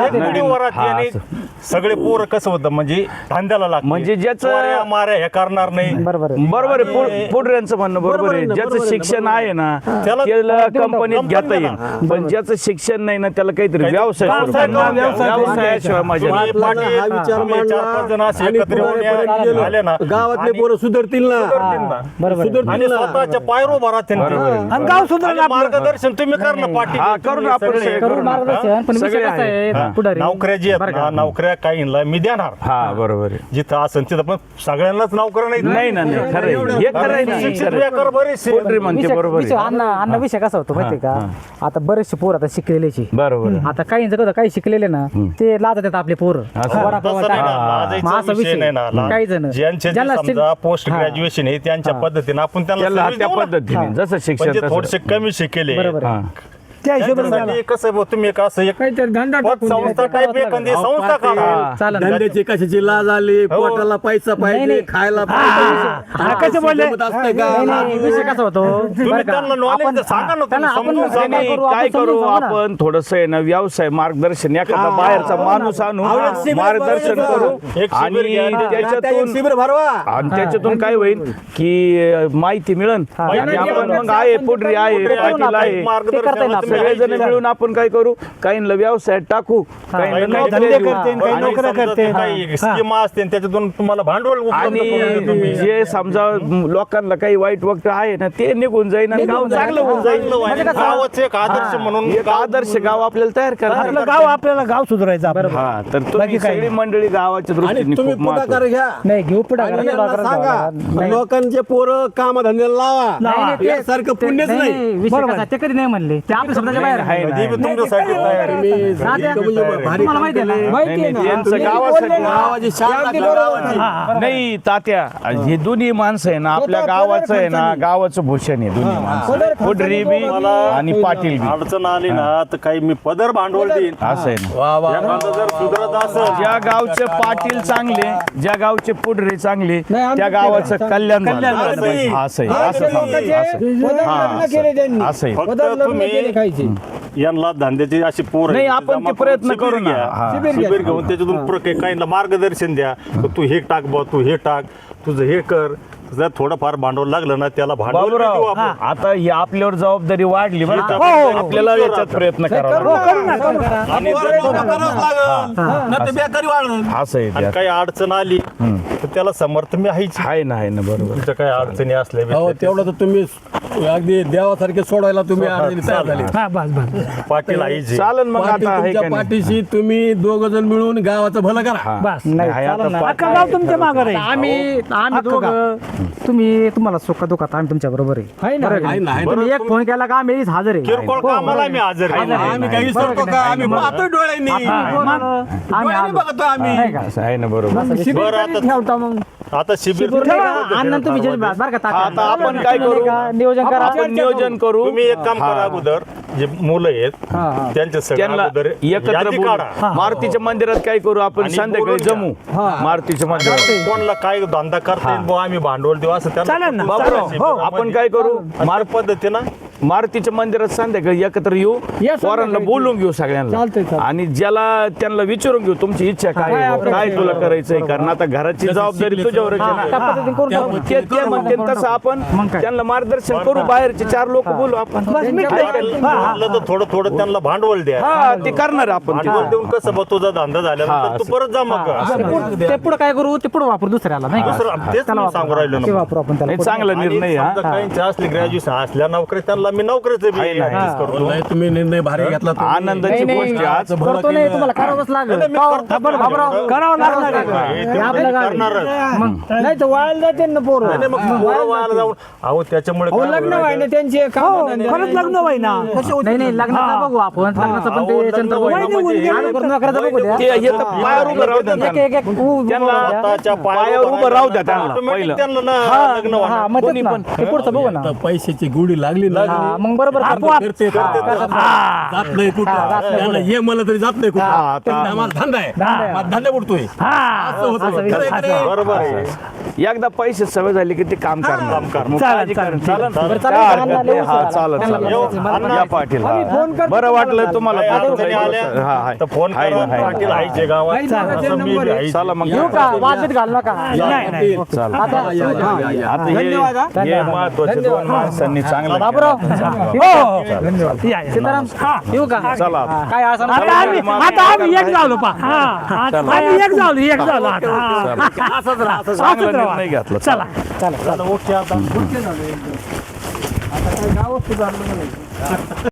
Speaker 7: सगळे पोरं कसं होतं, म्हणजे धंद्याला लागते,
Speaker 1: म्हणजे ज्याचं-
Speaker 7: चोऱ्या, माऱ्या हे करणार नाही.
Speaker 6: बरोबर आहे.
Speaker 1: बरोबर आहे पुढ- पुढऱ्यांचं म्हणणं बरोबर आहे. ज्याचं शिक्षण आहे ना
Speaker 7: त्याला-
Speaker 1: त्याला कंपनीत
Speaker 7: कंपनीत
Speaker 1: घेता येईल, पण ज्याचं शिक्षण नाही ना त्याला काहीतरी व्यवसाय
Speaker 7: व्यवसाय
Speaker 1: करून द्या.
Speaker 7: करून द्या.
Speaker 1: व्यवसायाशिवाय मजा नाही.
Speaker 7: तुम्ही पाटील,
Speaker 4: हा विचार
Speaker 7: तुम्ही चार पाच जण
Speaker 4: मांडला
Speaker 7: असे
Speaker 4: आणि
Speaker 7: एकत्र येऊन या-
Speaker 4: पुढाऱ्यापर्यंत
Speaker 7: आले ना,
Speaker 4: गेलो. गावातले
Speaker 7: आणि-
Speaker 4: पोरं सुधरतील ना.
Speaker 7: सुधरतील ना.
Speaker 6: बरोबर आहे.
Speaker 7: आणि
Speaker 4: सुधरतील ना.
Speaker 7: स्वतःच्या पायरो उभा राहतील ना.
Speaker 1: बरोबर आहे.
Speaker 3: आणि गाव सुधारण
Speaker 7: आणि
Speaker 3: आपलं.
Speaker 7: मार्गदर्शन तुम्ही कर ना पाटील.
Speaker 1: हा, करू ना आपण
Speaker 7: सगळे
Speaker 1: सगळे
Speaker 7: करू
Speaker 1: करू
Speaker 7: ना.
Speaker 1: ना.
Speaker 6: मार्गदर्शन, पण विषय
Speaker 1: सगळे
Speaker 6: कसा
Speaker 1: आहे.
Speaker 6: आहे पुढारी
Speaker 7: नोकऱ्या जी आहेत ना, नोकऱ्या काहींना मी देणार,
Speaker 1: हा बरोबर आहे.
Speaker 7: जिथं असेल तिथं, पण सगळ्यांनाच नोकऱ्या नाही.
Speaker 1: नाही ना नाही खरं आहे. हे खरं आहे ना
Speaker 7: शिक्षित
Speaker 1: खरं आहे.
Speaker 7: बेकार बरेचसे.
Speaker 1: पोल्ट्री म्हणते
Speaker 6: विषय
Speaker 1: बरोबर
Speaker 6: विषय
Speaker 1: आहे.
Speaker 6: अन्न अन्न विषय कसा होतो माहितीये का, आता बरेचसे पोर आता शिकलेलेचे,
Speaker 1: बरोबर आहे.
Speaker 6: आता काही जगत काही शिकलेले ना ते लाजतात आपले पोर
Speaker 1: असं.
Speaker 7: तसं नाही ना, लाजायचा विषय नाही ना.
Speaker 6: काही जण
Speaker 7: ज्यांचे जे
Speaker 6: ज्यांना शिक-
Speaker 7: समजा पोस्ट
Speaker 6: हा.
Speaker 7: ग्रॅज्युएशन आहे त्यांच्या पद्धतीने आपण त्यांना
Speaker 1: त्याला
Speaker 7: सर्व्हिस
Speaker 1: त्या
Speaker 7: देऊ ना.
Speaker 1: पद्धतीने जसं शिक्षण
Speaker 7: म्हणजे
Speaker 1: तसं.
Speaker 7: थोडेसे कमी शिकेले,
Speaker 6: बरोबर आहे.
Speaker 1: हा.
Speaker 3: त्या हिशोबाने
Speaker 7: त्यांच्यासाठी कसं आहे बुवा, तुम्ही एक असं एक
Speaker 5: काहीतरी धंदा
Speaker 7: पत
Speaker 5: टाकून
Speaker 7: संस्था
Speaker 5: द्यायचा.
Speaker 7: टाईप एखादी संस्था काढा.
Speaker 6: चालेल ना.
Speaker 4: धंद्याची कशाची लाज आली, पोटाला पैसा पाहिजे,
Speaker 6: नाही.
Speaker 4: खायला
Speaker 3: हा,
Speaker 4: पाहिजे.
Speaker 3: कसं बोलले?
Speaker 4: जमत असतंय का?
Speaker 6: नाही, नाही, विषय कसा होतो
Speaker 7: तुम्ही
Speaker 6: बरं का?
Speaker 7: त्यांना knowledge
Speaker 6: आपण-
Speaker 7: सांगा ना,
Speaker 6: त्यांना
Speaker 7: तुम्ही
Speaker 6: आपण
Speaker 7: समजून सांगा.
Speaker 6: काय करू,
Speaker 1: काय
Speaker 6: आपण
Speaker 1: करू
Speaker 6: समजून सांगू ना.
Speaker 1: आपण थोडस आहे ना व्यवसाय मार्गदर्शन एखादा बाहेरचा माणूस आणू मार्गदर्शन करू
Speaker 7: एक शिबिर
Speaker 1: आणि
Speaker 7: घ्या.
Speaker 4: आता एक
Speaker 1: त्याच्यातून
Speaker 4: शिबिर भरवा.
Speaker 1: आणि त्याच्यातून काय होईल की अं, माहिती मिळेल आणि आपण मग आहे पुढरी आहे पाटील आहे
Speaker 7: मार्गदर्शन
Speaker 1: सगळेजण मिळून आपण काय करू काहींना व्यवसायात टाकू काहींना नोकऱ्या
Speaker 3: धंदे
Speaker 1: देऊ.
Speaker 3: करते, काही
Speaker 7: आणि
Speaker 3: नोकऱ्या
Speaker 7: समजा
Speaker 3: करते.
Speaker 7: ते काही स्कीम असते त्याच्यातून तुम्हाला भांडवल उपलब्ध करून देतो
Speaker 1: आणि
Speaker 7: तुम्ही.
Speaker 1: जे समजा लोकांना काही वाईट वक्त आहे ना ते निघून जाईल आणि गाव चांगलं होऊन जाईल.
Speaker 7: चांगलं व्हायला गावाचं एक आदर्श म्हणून
Speaker 1: एक आदर्श गाव आपल्याला तयार
Speaker 3: आपलं
Speaker 1: करा.
Speaker 3: गाव आपल्याला गाव सुधारायचं आपलं.
Speaker 1: हा तर तुम्ही
Speaker 3: काही
Speaker 1: सगळी मंडळी गावाच्या
Speaker 4: आणि
Speaker 1: दृष्टीने
Speaker 4: तुम्ही
Speaker 1: खूप महत्त्वाचं.
Speaker 4: पुढाकार घ्या
Speaker 6: नाही घेऊ पुढे
Speaker 4: आणि यांना सांगा लोकांचे पोरं कामधंद्याला लावा
Speaker 6: नाही, नाही, ते-
Speaker 4: यासारखं पुण्यच नाही.
Speaker 6: विषय कसा, ते कधी नाही म्हणले ते आपल्या शब्दाच्या बाहेर
Speaker 1: आहे ना,
Speaker 7: कधी बी तुमच्यासाठी तयार आहे.
Speaker 4: तुम्ही इतकं म्हणजे भारी
Speaker 6: तुम्हाला माहिती आहे ना
Speaker 5: माहिती
Speaker 1: नाही,
Speaker 5: आहे
Speaker 1: नाही,
Speaker 5: ना
Speaker 1: त्यांचं
Speaker 5: तुम्ही
Speaker 1: गावासाठी
Speaker 5: बोलले ना,
Speaker 4: गावाची शान
Speaker 5: अगदी
Speaker 4: दाखवा
Speaker 5: बरोबर
Speaker 4: गावाची.
Speaker 5: आहे.
Speaker 1: नाही तात्या हे दोन्ही माणसं आहे ना आपल्या गावाचं आहे ना गावाचं भूषण आहे दोन्ही माणसं पुढरी बी आणि पाटील बी
Speaker 7: अडचण आली ना तर काही मी पदर भांडवल देईन
Speaker 1: असं आहे ना
Speaker 4: वा वा
Speaker 7: एखादं जर सुधरत असेल
Speaker 1: ज्या गावचे पाटील चांगले ज्या गावचे पुढरे चांगले
Speaker 5: नाही, आमचं
Speaker 1: त्या गावाचं कल्याण झालं.
Speaker 7: झालं पाहिजे.
Speaker 1: हा, असं आहे,
Speaker 5: हा,
Speaker 1: असं
Speaker 5: ते
Speaker 1: सांगा,
Speaker 5: लोकांचे
Speaker 1: असं आहे.
Speaker 5: पदर
Speaker 1: हा,
Speaker 5: लग्न
Speaker 1: असं-
Speaker 5: केले त्यांनी
Speaker 1: असं आहे.
Speaker 7: फक्त
Speaker 5: पदर लग्न
Speaker 7: तुम्ही
Speaker 5: केले खायचे
Speaker 7: यांना धंद्याची अशी पोर
Speaker 1: नाही, आपण ते प्रयत्न करू ना. हा.
Speaker 7: शिबिर घेऊन त्याच्यातून प्र- काहींना मार्गदर्शन द्या तर तू हे टाक बा तू हे टाक तुझं हे कर जर थोडंफार भांडवल लागलं ना त्याला भांडवल बी देऊ
Speaker 1: बाबूराव
Speaker 7: आपण.
Speaker 1: आता ही आपल्यावर जबाबदारी वाढली बरं का?
Speaker 7: हो.
Speaker 1: आपल्याला याच्यात प्रयत्न करावा लागेल.
Speaker 3: करू ना करू ना
Speaker 7: आणि
Speaker 4: पोरं
Speaker 7: जर-
Speaker 4: लोकं करावंच लागल. नाही तर बेकारी वाढलं.
Speaker 1: असं आहे
Speaker 7: आणि
Speaker 1: त्यात.
Speaker 7: काही अडचण आली तर त्याला समर्थ मी आहेच
Speaker 1: आहे ना आहे ना बरोबर
Speaker 7: तुमच्या काही अडचणी असल्या
Speaker 4: हो
Speaker 7: बिसल्या
Speaker 4: तेवढं तर तुम्ही अगदी देवासारखे सोडायला तुम्ही अडचणी तयार झाले
Speaker 3: हा बस बस
Speaker 7: पाटील आहेच
Speaker 1: चालन मग
Speaker 4: पाटील
Speaker 1: आता आहे
Speaker 4: तुमच्या
Speaker 1: का नाही?
Speaker 4: पाठीशी तुम्ही दोघ जण मिळून गावाचं भलं करा
Speaker 1: हा.
Speaker 3: बस
Speaker 1: नाही, आहे आता पा-
Speaker 3: अख्खा गाव तुमच्या मागे राहील
Speaker 6: आम्ही आम्ही दोघं तुम्ही तुम्हाला सुख दुखात आम्ही तुमच्या बरोबर आहे
Speaker 5: आहे ना
Speaker 4: आहे ना, आहे ना.
Speaker 6: तुम्ही एक फोन केला का आम्ही हजर आहे
Speaker 7: किरकोळ कामाला मी हजर आहे.
Speaker 4: आम्ही काही विसरतो का आम्ही पाहतोय डोळ्यांनी
Speaker 6: आम्ही
Speaker 4: डोळ्यांनी
Speaker 6: आलो.
Speaker 4: बघतो आम्ही
Speaker 6: नाही का?
Speaker 1: असं आहे ना बरोबर
Speaker 5: शिबिर
Speaker 7: बरं,
Speaker 5: कधी
Speaker 7: आता-
Speaker 5: ठेवता मग
Speaker 7: आता शिबिर
Speaker 6: अण्णा तुम्ही जज बरं का तात्या?
Speaker 1: आता आपण काय करू
Speaker 6: नियोजन करा
Speaker 1: आपण नियोजन करू
Speaker 7: तुम्ही एक काम करा अगोदर जे मुलं आहेत त्यांच्या सगळ्या
Speaker 1: त्यांना
Speaker 7: अगोदर
Speaker 1: एकत्र
Speaker 7: यादी
Speaker 1: बोलू.
Speaker 7: काढा
Speaker 1: मारुतीच्या मंदिरात काय करू आपण
Speaker 7: आणि
Speaker 1: संध्याकाळी
Speaker 7: बोलून घ्या.
Speaker 1: जमू मारुतीच्या मंदिरात
Speaker 7: कोणला काय धंदा करता येईल बुवा, आम्ही भांडवल देऊ असं
Speaker 3: चालेल ना,
Speaker 7: त्यांना
Speaker 1: बाबूराव,
Speaker 7: शिबिरामध्ये.
Speaker 1: हो, आपण काय करू
Speaker 7: आणि त्या पद्धतीनं
Speaker 1: मारुतीच्या मंदिरात संध्याकाळी एकत्र येऊ
Speaker 5: या
Speaker 1: पोरांना
Speaker 5: संध्याकाळी.
Speaker 1: बोलून घेऊ
Speaker 5: चालतंय,
Speaker 1: सगळ्यांना
Speaker 5: चालतंय.
Speaker 1: आणि ज्याला त्यांना विचारून घेऊ तुमची इच्छा काय आहे,
Speaker 5: काय
Speaker 1: काय तुला करायचंय कारण आता घराची जबाबदारी तुझ्यावरच आहे
Speaker 6: त्या
Speaker 1: ना.
Speaker 6: पद्धतीने करून टाकू.
Speaker 1: ते ते म्हणते तसं आपण त्यांना मार्गदर्शन करू बाहेरचे चार लोक बोलू आपण
Speaker 7: म्हटलं तर थोडं थोडं त्यांना भांडवल द्या
Speaker 1: हा ते करणार आपण ते.
Speaker 7: भांडवल देऊन कसं बा तुझा धंदा झाल्यानंतर तू परत जा मग
Speaker 6: ते पुढं- ते पुढे काय करू ते पुढे वापरू दुसऱ्याला नाही का?
Speaker 7: दुसरं तेच मी सांगू राहिलो
Speaker 6: ते
Speaker 7: ना
Speaker 6: वापरू आपण त्याला
Speaker 1: नाही, चांगला
Speaker 7: आणि
Speaker 1: निर्णय हा
Speaker 7: समजा काहींच्या असली ग्रॅज्युएशन असल्या नोकरी त्यांना मी नोकरीचं बी adjust करतो
Speaker 4: नाही, तुम्ही निर्णय भारी घेतला तुम्ही.
Speaker 1: आनंदाची
Speaker 6: नाही,
Speaker 1: गोष्ट आहे. आज
Speaker 4: भलं
Speaker 6: करतो नाही तुम्हाला करावंच लागेल
Speaker 7: नाही, मी
Speaker 6: का-
Speaker 7: करतो.
Speaker 6: बरं, बाबूराव,
Speaker 3: करावं लागणार आहे.
Speaker 7: हे ते
Speaker 6: आपलं
Speaker 7: मी
Speaker 6: गाव आहे.
Speaker 7: करणारच.
Speaker 5: नाही तर वायाला जाते ना पोरं
Speaker 7: नाही, नाही, मग पोरं वायाला जाऊन अहो त्याच्यामुळे
Speaker 5: अहो,
Speaker 7: काय
Speaker 5: लग्न
Speaker 7: होईल?
Speaker 5: व्हायला त्यांचे काम
Speaker 3: खरंच लग्न व्हाय ना
Speaker 6: नाही नाही लग्नाचं बघू आपण लग्नाचं पण
Speaker 7: अहो,
Speaker 6: ते
Speaker 7: लग्न
Speaker 6: चंद्र
Speaker 7: व्हायला
Speaker 6: बघू.
Speaker 7: म्हणजे
Speaker 6: आधी करून नोकऱ्याचं बघू द्या
Speaker 1: ते हे तर पायावर उभं राहू द्या
Speaker 6: एक
Speaker 1: त्यांना.
Speaker 6: एक एक उ-
Speaker 1: त्यांना
Speaker 7: स्वतःच्या
Speaker 1: पायावर उभं राहू द्या त्यांना
Speaker 7: Automatic
Speaker 1: पहिलं.
Speaker 7: त्यांना ना लग्न
Speaker 6: हा
Speaker 7: होणार.
Speaker 6: मग तेच ना. ते पुढचं बघू ना
Speaker 4: आता पैशाची गुढी लागली ना
Speaker 6: हा, मग बरोबर करतो.
Speaker 4: करते जात नाही कुठं त्यांना ये मला तरी जात नाही कुठं
Speaker 1: हा, आता-
Speaker 4: त्यांना आम्हाला धंदा आहे माझा धंदा उडतोय
Speaker 3: हा
Speaker 4: असं होतं.
Speaker 6: असं
Speaker 4: खरं आहे का नाही?
Speaker 7: बरोबर आहे
Speaker 1: एकदा पैसे सवय झाली की ते काम करणार
Speaker 7: काम करणार.
Speaker 1: मग
Speaker 3: चालेल,
Speaker 1: काळजी
Speaker 3: चालेल,
Speaker 1: करा. चालेल?
Speaker 6: बरं,
Speaker 1: काय
Speaker 6: चालेल,
Speaker 1: हरकत
Speaker 6: अण्णा,
Speaker 1: नाही.
Speaker 6: लय
Speaker 1: हा
Speaker 6: उशीर
Speaker 1: चालेल
Speaker 6: झाला.
Speaker 1: चालेल
Speaker 7: अण्णा,
Speaker 1: या पाटील हा.
Speaker 5: फोन करतो
Speaker 1: बरं वाटलं तुम्हाला
Speaker 7: काही
Speaker 1: पाठवलं.
Speaker 7: अडचणी आल्या
Speaker 1: हा, हा.
Speaker 7: तर फोन
Speaker 1: आहे
Speaker 7: करा
Speaker 1: ना, आहे ना.
Speaker 7: पाटील आईचे गावात
Speaker 5: आहे ना,
Speaker 7: असं मी
Speaker 5: नंबर
Speaker 7: बी
Speaker 5: आहे.
Speaker 7: आहे.
Speaker 1: चला मग
Speaker 6: येऊ का वादबीत घाल नका
Speaker 3: नाही नाही
Speaker 1: चालेल.
Speaker 6: आता
Speaker 1: आता हे
Speaker 5: धन्यवाद, हा.
Speaker 1: हे महत्वाचे दोन माणसांनी चांगलं
Speaker 6: बाबूराव
Speaker 3: हो या, या.
Speaker 6: सीताराम येऊ का
Speaker 1: चला.
Speaker 6: काय असं
Speaker 3: आता आम्ही आता आम्ही एक झालो पा हा आम्ही एक झालो एक झालो आता हा. असंच राहा असंच
Speaker 1: चांगला
Speaker 3: राहा.
Speaker 1: निर्णय घेतला
Speaker 3: चला
Speaker 7: चला, ओके आता
Speaker 5: आता काय गावच सुधारलं नाही